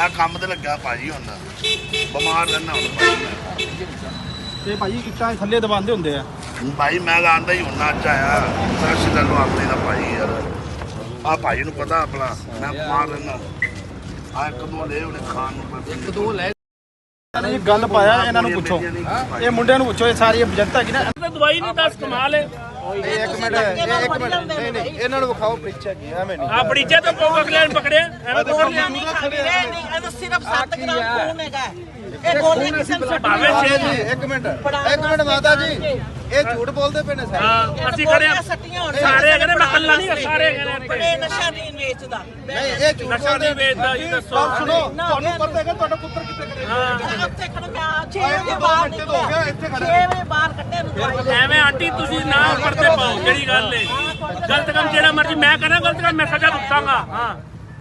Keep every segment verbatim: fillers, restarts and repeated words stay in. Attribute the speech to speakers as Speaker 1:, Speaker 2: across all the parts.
Speaker 1: मैं काम ते लग्या भाजी हुण बीमार रहना हुण
Speaker 2: ਤੇ ਭਾਜੀ ਇੱਟਾਂ ਥੱਲੇ ਦਬਾਉਂਦੇ ਹੁੰਦੇ ਆ
Speaker 1: भाई मैं आंदा ही हुण अज आया साक्षी तैनूं अपनी दा भाई यार आ भाई नूं पता अपना मैं बीमार रहना आ एक दो ले हुणे खान नूं एक दो ले
Speaker 2: ਇਹ ਗੱਲ ਪਾਇਆ ਇਹਨਾਂ ਨੂੰ ਪੁੱਛੋ ਇਹ ਮੁੰਡਿਆਂ ਨੂੰ ਪੁੱਛੋ ਇਹ ਸਾਰੀ ਜਨਤਾ ਕੀ ਨਾ
Speaker 3: ਦਵਾਈ ਨਹੀਂ ਦੱਸ ਕਮਾਲ ਹੈ
Speaker 2: ਇੱਕ ਮਿੰਟ ਇੱਕ ਮਿੰਟ ਨਹੀਂ ਨਹੀਂ ਇਹਨਾਂ ਨੂੰ ਵਿਖਾਓ ਪ੍ਰੀਚਾ ਕੀ ਐਵੇਂ ਨਹੀਂ
Speaker 3: ਆ ਬੜੀਚੇ ਤੋਂ ਪੋਗ ਅਗਲੇ ਨੇ ਪਕੜਿਆ ਐਵੇਂ
Speaker 4: ਗੋਲੀਆਂ ਨਹੀਂ ਖਾਂਦੇ ਨਹੀਂ ਇਹ ਸਿਰਫ ਸੱਤ ਗ੍ਰਾਮ ਖੂਨ ਹੈਗਾ ਇਹ ਗੋਲੀਆਂ ਕਿਸੇ ਨੂੰ
Speaker 3: ਭਾਵੇਂ ਛੇ
Speaker 2: ਜੀ ਇੱਕ ਮਿੰਟ ਇੱਕ ਮਿੰਟ ਮਾਤਾ ਜੀ ਇਹ ਝੂਠ ਬੋਲਦੇ ਪਏ ਨੇ ਸਾਰੇ
Speaker 3: ਹਾਂ ਅਸੀਂ ਖੜੇ ਹਾਂ ਸਾਰੇ ਕਹਿੰਦੇ ਮੈਂ ਕੱਲਾ ਨਹੀਂ ਸਾਰੇ ਕਹਿੰਦੇ
Speaker 4: ਇਹ ਨਸ਼ਾ ਨਹੀਂ ਵੇਚਦਾ
Speaker 2: ਨਹੀਂ ਇਹ ਝੂਠ
Speaker 3: ਨਸ਼ਾ ਨਹੀਂ ਵੇਚਦਾ ਜੀ ਦੱਸੋ
Speaker 2: ਗੱਲ ਸੁਣੋ ਤੁਹਾਨੂੰ ਪਤਾ ਹੈਗਾ ਤੁਹਾਡਾ ਪੁੱਤਰ ਕਿੱਥੇ ਖੜੇ
Speaker 3: ਹਾਂ
Speaker 4: ਉੱਥੇ ਖੜ ਮੈਂ ਛੇ ਵਜੇ ਬਾਹਰ ਨਿਕਲਿਆ ਛੇ ਵਜੇ ਬਾਹਰ ਕੱਢੇ ਨੂੰ ਦਵਾਈ
Speaker 3: ਐਵੇਂ ਆਂਟੀ ਤੁਸੀਂ ਨਾ ਪਰਦੇ ਪਾਓ ਜਿਹੜੀ ਗੱਲ ਹੈ ਗਲਤ ਕੰਮ ਜਿਹੜਾ ਮਰਜੀ ਮੈਂ ਕਰਾਂ ਗਲਤ ਕੰਮ ਮੈਂ ਸਜ਼ਾ ਭੁਗਤਾਂਗਾ ਹਾਂ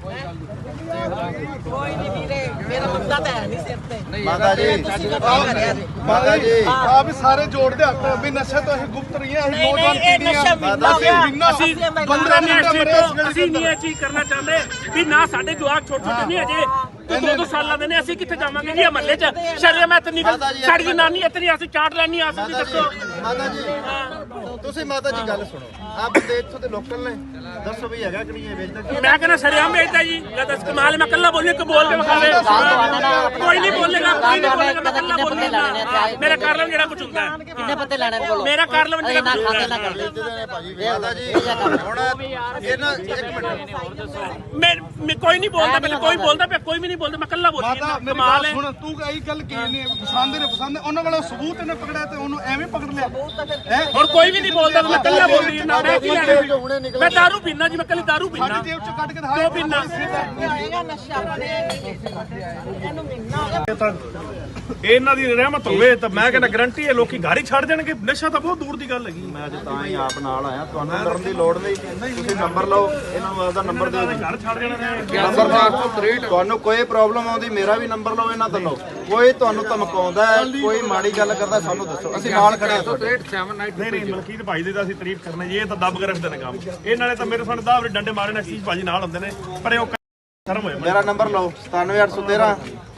Speaker 4: ਕੋਈ ਨਹੀਂ ਵੀਰੇ ਮੇਰਾ ਬੰਦਾ ਤਾਂ ਹੈ ਨਹੀਂ ਸਿਰ ਤੇ
Speaker 2: ਮਾਤਾ ਜੀ ਮਾਤਾ ਜੀ
Speaker 5: ਆ ਵੀ ਸਾਰੇ ਜੋੜਦੇ ਹੱਥ ਵੀ ਨਸ਼ਾ ਤੋਂ ਅਸੀਂ ਗੁਪਤ ਰਹੀ ਹਾਂ ਅਸੀਂ
Speaker 4: ਨਹੀਂ
Speaker 5: ਨੌਜਵਾਨ
Speaker 4: ਨਹੀਂ ਇਹ ਨਸ਼ਾ
Speaker 5: ਪੀੜ੍ਹੀ ਆ
Speaker 4: ਮਿੰਨਾ
Speaker 3: ਅਸੀਂ ਪੰਦਰਾਂ ਮਿੰਟ ਤੋਂ ਅਸੀਂ ਨਹੀਂ ਇਹ ਚੀਜ਼ ਕਰਨਾ ਚਾਹੁੰਦੇ ਵੀ ਨਾ ਸਾਡੇ ਜਵਾਕ ਛੋਟੇ ਛੋਟੇ ਨਹੀਂ ਅਜੇ ਤੂੰ ਦੋ ਦੋ ਸਾਲਾਂ ਦੇ ਨੇ ਅਸੀਂ ਕਿੱਥੇ ਜਾਵਾਂਗੇ ਜੀ ਮਹੱਲੇ 'ਚ ਸ਼ਰਮ ਇਤਨੀ ਸਾਡੀ ਜਨਾਨੀ ਇਤਨੀ ਅਸੀਂ ਚਾਟ ਲੈਣੀ ਆ ਅਸੀਂ ਦੱਸੋ
Speaker 2: ਮਾਤਾ ਜੀ ਤੁਸੀਂ ਮਾਤਾ ਜੀ ਗੱਲ ਸੁਣੋ ਆ ਬੰਦੇ ਇੱਥੋਂ ਦੇ ਲੋਕਲ ਨੇ ਦੱਸੋ ਵੀ ਹੈਗਾ ਕਿ ਨਹੀਂ ਇਹ ਵੇਚਦਾ
Speaker 3: ਮੈਂ ਕਹਿੰਦਾ ਸ਼ਰਿਆਮ ਵੇਚਦਾ ਜੀ ਜਦ ਇਸ ਕਮਾਲ ਮੈਂ ਕੱਲਾ ਬੋਲਨੇ ਕੋ ਬੋਲ ਕੇ ਵਿਖਾਵੇ ਕੋਈ ਨਹੀਂ ਬੋਲੇਗਾ ਕੋਈ ਨਹੀਂ ਬੋਲੇਗਾ ਮੈਂ ਕੱਲਾ ਬੋਲੂਗਾ ਮੇਰਾ ਕਾਰਲਮ ਜਿਹੜਾ ਕੁਝ ਹੁੰਦਾ ਹੈ
Speaker 6: ਕਿੰਨੇ ਪੱਤੇ ਲੈਣੇ ਨੇ ਬੋਲੋ
Speaker 3: ਮੇਰਾ ਕਾਰਲਮ ਜਿਹੜਾ
Speaker 6: ਨਾ
Speaker 3: ਕੁਝ
Speaker 6: ਖਾਤੇ
Speaker 3: ਹੁੰਦਾ
Speaker 6: ਨਾ ਕਰ
Speaker 2: ਭਾਜੀ ਮਾਤਾ ਜੀ ਹੁਣ ਇਹ ਨਾ ਇੱਕ ਮਿੰਟ
Speaker 3: ਮੈਂ ਮੈਂ ਕੋਈ ਨਹੀਂ ਬੋਲਦਾ ਪਹਿਲੇ ਕੋਈ ਬੋਲਦਾ ਪਿਆ ਕੋਈ ਵੀ ਨਹੀਂ ਬੋਲਦਾ ਮੈਂ ਕੱਲਾ ਬੋਲੀ
Speaker 5: ਮਾਤਾ ਮੇਰੀ
Speaker 3: ਕਮਾਲ
Speaker 5: ਗੱਲ
Speaker 3: ਹੈ
Speaker 5: ਸੁਣ ਤੂੰ ਕਹੀ ਗੱਲ ਕੀ ਨਹੀਂ ਪਸੰਦ ਨੇ ਪਸੰਦ ਉਹਨਾਂ ਕੋਲ ਸਬੂਤ ਇਹਨੇ ਪਕੜਿਆ ਤੇ ਉਹਨੂੰ ਐਵੇਂ ਪਕੜ ਲਿਆ ਹੈ
Speaker 3: ਹੁਣ ਕੋਈ ਵੀ ਨਹੀਂ ਬੋਲਦਾ ਮੈਂ ਕੱਲਾ ਬੋਲ ਰਹੀ ਹਾਂ ਮੈਂ ਕੀ ਲੈਣਾ ਮੈਂ ਦਾਰੂ ਪੀਣਾ ਜੀ ਮੈਂ ਕੱਲੀ ਦਾਰੂ ਪੀਣਾ
Speaker 5: ਸਾਡੀ ਜੇਬ ਚੋਂ ਕੱਢ ਕੇ
Speaker 3: ਕਿਉਂ ਪੀਣਾ
Speaker 4: ਹੋਏਗਾ ਨਸ਼ਾ ਇਹਨੂੰ ਮਿਲਣਾ ਹੋਗਾ
Speaker 7: ਇਹਨਾਂ ਦੀ ਰਹਿਮਤ ਹੋਵੇ ਤਾਂ ਮੈਂ ਕਹਿੰਦਾ ਗਰੰਟੀ ਹੈ ਲੋਕੀ ਘਰ ਹੀ ਛੱਡ ਜਾਣਗੇ ਨਸ਼ਾ ਤਾਂ ਬਹੁਤ ਦੂਰ ਦੀ ਗੱਲ ਹੈਗੀ
Speaker 2: ਮੈਂ ਅੱਜ ਤਾਂ ਹੀ ਆਪ ਨਾਲ ਆਇਆ ਤੁਹਾਨੂੰ ਡਰਨ ਦੀ ਲੋੜ ਨਹੀਂ ਤੁਸੀਂ ਨੰਬਰ ਲਓ ਇਹਨਾਂ ਨੂੰ ਆਪਦਾ ਨੰਬਰ ਦਿਓ ਜੀ
Speaker 7: ਘਰ ਛੱਡ ਜਾਣਾ ਨੇ
Speaker 2: ਨੰਬਰ ਤੁਹਾਨੂੰ ਕੋਈ ਪ੍ਰੋਬਲਮ ਆਉਂਦੀ ਮੇਰਾ ਵੀ ਨੰਬਰ ਲਓ ਇਹਨਾਂ ਤੋਂ ਲਓ ਕੋਈ ਤੁਹਾਨੂੰ ਧਮਕਾਉਂਦਾ ਹੈ ਕੋਈ ਮਾੜੀ ਗੱਲ ਕਰਦਾ ਸਾਨੂੰ ਦੱਸੋ ਅਸੀਂ ਨਾਲ ਖੜੇ ਹਾਂ ਤੁਹਾਡੇ
Speaker 7: ਨਹੀਂ ਨਹੀਂ ਮਲਕੀਤ ਭਾਈ ਦੀ ਤਾਂ ਅਸੀਂ ਤਾਰੀਫ ਕਰਨੇ ਜੀ ਇਹ ਤਾਂ ਦੱਬ ਕੇ ਰੱਖਦੇ ਨੇ ਕੰਮ ਇਹਨਾਂ ਨੇ ਤਾਂ ਮੇਰੇ ਸਾਹਮਣੇ ਦਾਵਰੇ ਡੰਡੇ ਮਾਰੇ ਨੇ ਅਸੀਸ ਭਾਜੀ ਨਾਲ ਹੁੰਦੇ ਨੇ ਪਰ ਉਹ ਸ਼ਰਮ ਹੋਏ
Speaker 2: ਮੇਰਾ ਨੰਬਰ ਲਓ ਸਤਾਨਵੇਂ ਅੱਠ ਸੌ ਤੇਰਾਂ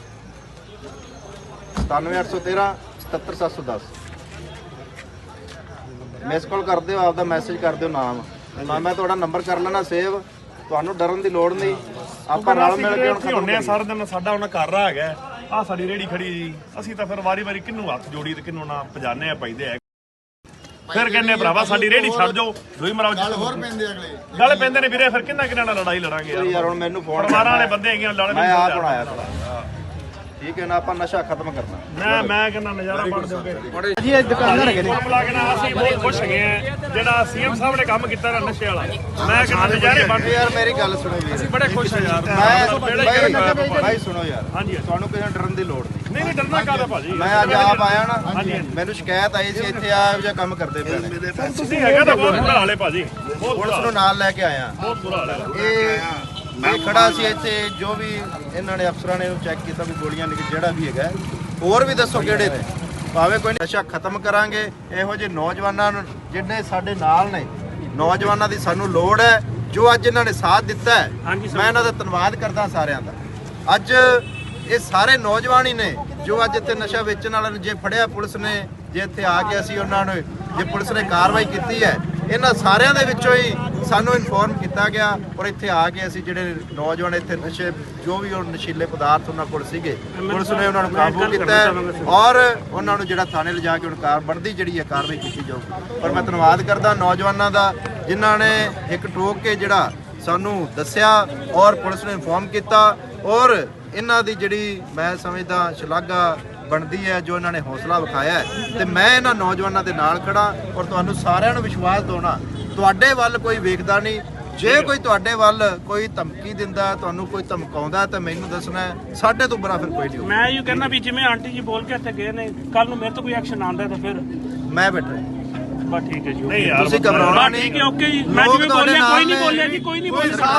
Speaker 2: ਸਤਾਨਵੇਂ ਅੱਠ ਸੌ ਤੇਰਾਂ ਸਤੱਤਰ ਸੱਤ ਸੌ ਦਸ ਮਿਸ ਕਾਲ ਕਰ ਦਿਓ ਆਪਦਾ ਮੈਸੇਜ ਕਰ ਦਿਓ ਨਾਮ ਤਾਂ ਮੈਂ ਤੁਹਾਡਾ ਨੰਬਰ ਕਰ ਲੈਣਾ ਸੇਵ ਤੁਹਾਨੂੰ ਡਰਨ ਦੀ ਲੋੜ ਨਹੀਂ ਆਪਾਂ ਨਾਲ ਮਿਲ ਕੇ ਹੁਣ
Speaker 7: ਇੱਥੇ ਹੁੰਨੇ ਆ ਸਾਰਾ ਦਿਨ ਸਾਡਾ ਉਹਨਾਂ ਘਰ ਰਾ ਹੈਗਾ ਆ ਸਾਡੀ ਰੇੜੀ ਖੜੀ ਜੀ ਅਸੀਂ ਤਾਂ ਫਿਰ ਵਾਰੀ ਵਾਰੀ ਕਿੰਨੂੰ ਹੱਥ ਜੋੜੀ ਤੇ ਕਿੰਨੂੰ ਨਾ ਪਜਾਨੇ ਆ ਪੈਂਦੇ ਆ ਫਿਰ ਕਹਿੰਦੇ ਭਰਾਵਾ ਸਾਡੀ ਰੇੜੀ ਛੱਡ ਜਾਓ ਦੋਈ ਮਰਾਓ ਗੱਲ ਹੋਰ ਪੈਂਦੇ ਅਗਲੇ ਗੱਲ ਪੈਂਦੇ ਨੇ ਵੀਰੇ ਫਿਰ ਕਿੰਨਾ ਕਿੰਨਾ ਨਾਲ ਲੜਾਈ ਲੜਾਂਗੇ ਯਾਰ
Speaker 2: ਯਾਰ ਹੁਣ ਮੈਨੂੰ ਫੋਨ
Speaker 7: ਪਰਿਵਾਰਾਂ ਵਾਲੇ ਬੰਦੇ ਹੈਗੇ ਲੜ
Speaker 2: ਮੈਂ ਆਪ ਬਣਾਇਆ ਥੋੜਾ ਠੀਕ ਹੈ ਨਾ ਆਪਾਂ ਨਸ਼ਾ ਖਤਮ ਕਰਨਾ
Speaker 7: ਮੈਂ ਮੈਂ ਕਹਿੰਦਾ ਨਜ਼ਾਰਾ ਬਣ ਜਾਓਗੇ
Speaker 2: ਜੀ ਇਹ ਦੁਕਾਨਦਾਰ ਹੈਗੇ ਨੇ
Speaker 7: ਮਾਮਲਾ ਕਹਿੰਦਾ ਅਸੀਂ ਬਹੁਤ ਖੁਸ਼ ਹੈਗੇ ਆ ਜਿਹੜਾ ਸੀਐਮ ਸਾਹਿਬ ਨੇ ਕੰਮ ਕੀਤਾ ਨਾ ਨਸ਼ੇ ਵਾਲਾ ਮੈਂ ਕਹਿੰਦਾ ਨਜ਼ਾਰੇ ਬਣ
Speaker 2: ਯਾਰ ਮੇਰੀ ਗੱਲ ਸੁਣੋ ਵੀਰ
Speaker 7: ਅਸੀਂ ਬੜੇ ਖੁਸ਼ ਆ ਯਾਰ
Speaker 2: ਮੈਂ ਭਾਈ ਸੁਣੋ ਯਾਰ
Speaker 7: ਹਾਂਜੀ
Speaker 2: ਤੁਹਾਨੂੰ ਕਿਸੇ ਡਰਨ ਦੀ ਲੋੜ ਨਹੀਂ
Speaker 7: ਨਹੀਂ ਨਹੀਂ ਡਰਨਾ ਕਾਹਦਾ ਭਾਜੀ
Speaker 2: ਮੈਂ ਅੱਜ ਆਪ ਆਇਆ ਨਾ ਮੈਨੂੰ ਸ਼ਿਕਾਇਤ ਆਈ ਸੀ ਇੱਥੇ ਆ ਜਿਹਾ ਕੰਮ ਕਰਦੇ ਪਏ ਨੇ
Speaker 7: ਤੁਸੀਂ ਹੈਗਾ ਤਾਂ ਬਹੁਤ ਬੁਰਾ ਹਾਲ ਹੈ ਭਾਜੀ ਬਹੁਤ
Speaker 2: ਪੁਲਿਸ ਨੂੰ ਨਾਲ ਲੈ ਕੇ ਆਇਆ
Speaker 7: ਬਹੁਤ ਬੁਰਾ ਹਾਲ ਹੈ
Speaker 2: ਇਹ ਮੈਂ ਖੜਾ ਸੀ ਇੱਥੇ ਜੋ ਵੀ ਇਹਨਾਂ ਨੇ ਅਫਸਰਾਂ ਨੇ ਚੈੱਕ ਕੀਤਾ ਵੀ ਗੋਲੀਆਂ ਨਿਕਲ ਜਿਹੜਾ ਵੀ ਹੈਗਾ ਹੋਰ ਵੀ ਦੱਸੋ ਕਿਹੜੇ ਨੇ ਭਾਵੇਂ ਕੋਈ ਨਸ਼ਾ ਖਤਮ ਕਰਾਂਗੇ ਇਹੋ ਜਿਹੇ ਨੌਜਵਾਨਾਂ ਨੂੰ ਜਿਹੜੇ ਸਾਡੇ ਨਾਲ ਨੇ ਨੌਜਵਾਨਾਂ ਦੀ ਸਾਨੂੰ ਲੋੜ ਹੈ ਜੋ ਅੱਜ ਇਹਨਾਂ ਨੇ ਸਾਥ ਦਿੱਤਾ ਹੈ ਮੈਂ ਇਹਨਾਂ ਦਾ ਧੰਨਵਾਦ ਕਰਦਾ ਸਾਰਿਆਂ ਦਾ ਅੱਜ ਇਹ ਸਾਰੇ ਨੌਜਵਾਨ ਹੀ ਨੇ ਜੋ ਅੱਜ ਇੱਥੇ ਨਸ਼ਾ ਵੇਚਣ ਵਾਲਿਆਂ ਨੂੰ ਜੇ ਫੜਿਆ ਪੁਲਿਸ ਨੇ ਜੇ ਇੱਥੇ ਆ ਕੇ ਅਸੀਂ ਉਹਨਾਂ ਨੂੰ ਜੇ ਪੁਲਿਸ ਨੇ ਕਾਰਵਾਈ ਕੀਤੀ ਹੈ ਇਹਨਾਂ ਸਾਰਿਆਂ ਦੇ ਵਿੱਚੋਂ ਹੀ ਸਾਨੂੰ ਇਨਫੋਰਮ ਕੀਤਾ ਗਿਆ ਔਰ ਇੱਥੇ ਆ ਕੇ ਅਸੀਂ ਜਿਹੜੇ ਨੌਜਵਾਨ ਇੱਥੇ ਨਸ਼ੇ ਜੋ ਵੀ ਉਹ ਨਸ਼ੀਲੇ ਪਦਾਰਥ ਉਹਨਾਂ ਕੋਲ ਸੀਗੇ ਪੁਲਿਸ ਨੇ ਉਹਨਾਂ ਨੂੰ ਕਾਬੂ ਕੀਤਾ ਔਰ ਉਹਨਾਂ ਨੂੰ ਜਿਹੜਾ ਥਾਣੇ ਲਿਜਾ ਕੇ ਹੁਣ ਕਾਰ ਬਣਦੀ ਜਿਹੜੀ ਹੈ ਕਾਰਵਾਈ ਕੀਤੀ ਜਾਊਗੀ ਪਰ ਮੈਂ ਧੰਨਵਾਦ ਕਰਦਾ ਨੌਜਵਾਨਾਂ ਦਾ ਜਿਨ੍ਹਾਂ ਨੇ ਇੱਕ ਠੋਕ ਕੇ ਜਿਹੜਾ ਸਾਨੂੰ ਦੱਸਿਆ ਔਰ ਪੁਲਿਸ ਨੂੰ ਇਨਫੋਰਮ ਕੀਤਾ ਔਰ ਇਹਨਾਂ ਦੀ ਜਿਹੜੀ ਮੈਂ ਸਮਝਦਾ ਸ਼ਲਾਘਾ ਬਣਦੀ ਹੈ ਜੋ ਇਹਨਾਂ ਨੇ ਹੌਸਲਾ ਵਿਖਾਇਆ ਹੈ ਤੇ ਮੈਂ ਇਹਨਾਂ ਨੌਜਵਾਨਾਂ ਦੇ ਨਾਲ ਖੜਾ ਔਰ ਤੁਹਾਨੂੰ ਸਾਰਿਆਂ ਨੂੰ ਵਿਸ਼ਵਾਸ ਦਿਵਾਉਣਾ ਤੁਹਾਡੇ ਵੱਲ ਕੋਈ ਵੇਖਦਾ ਨਹੀਂ ਜੇ ਕੋਈ ਤੁਹਾਡੇ ਵੱਲ ਕੋਈ ਧਮਕੀ ਦਿੰਦਾ ਤੁਹਾਨੂੰ ਕੋਈ ਧਮਕਾਉਂਦਾ ਤਾਂ ਮੈਨੂੰ ਦੱਸਣਾ ਸਾਡੇ ਤੋਂ ਬੁਰਾ ਫਿਰ ਕੋਈ ਨਹੀਂ
Speaker 3: ਮੈਂ ਇਹ ਕਹਿੰਦਾ ਵੀ ਜਿਵੇਂ ਆਂਟੀ ਜੀ ਬੋਲ ਕੇ ਇੱਥੇ ਗਏ ਨੇ ਕੱਲ ਨੂੰ ਮੇਰੇ ਤੋਂ ਕੋਈ ਐਕਸ਼ਨ ਆਉਂਦਾ ਤਾਂ ਫਿਰ
Speaker 2: ਮੈਂ ਬੈਠਾ
Speaker 3: ਬਸ ਠੀਕ ਹੈ ਜੀ
Speaker 7: ਨਹੀਂ ਯਾਰ
Speaker 2: ਤੁਸੀਂ ਘਬਰਾਉਣਾ ਨਹੀਂ
Speaker 3: ਠੀਕ ਹੈ ਓਕੇ ਜੀ ਮੈਂ ਜਿਵੇਂ ਬੋਲਿਆ ਕੋਈ ਨਹੀਂ ਬੋਲਿਆ ਜੀ ਕੋਈ ਨਹੀਂ ਬੋਲਿਆ